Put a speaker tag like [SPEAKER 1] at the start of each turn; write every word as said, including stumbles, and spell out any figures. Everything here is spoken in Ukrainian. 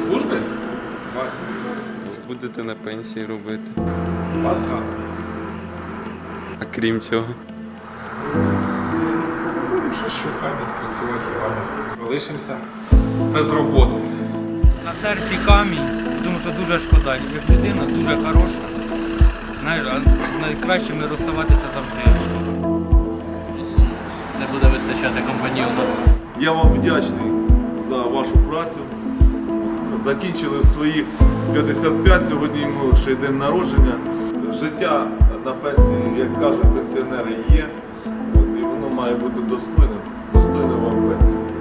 [SPEAKER 1] служби? двадцять.
[SPEAKER 2] Будете на пенсії робити.
[SPEAKER 1] База.
[SPEAKER 2] А крім цього.
[SPEAKER 1] Ну, що шукай, десь працювати рано. Залишимося без роботи.
[SPEAKER 3] На серці камінь, тому що дуже шкода. Як людина дуже хороша. Знаєш, а найкращими розставатися завжди.
[SPEAKER 4] Не буде вистачати компаньйона.
[SPEAKER 5] Я вам вдячний за вашу працю. Закінчили в своїх п'ятдесят п'ять, сьогодні йому ще й день народження. Життя на пенсії, як кажуть пенсіонери, є. От, і воно має бути достойним, достойним вам пенсії.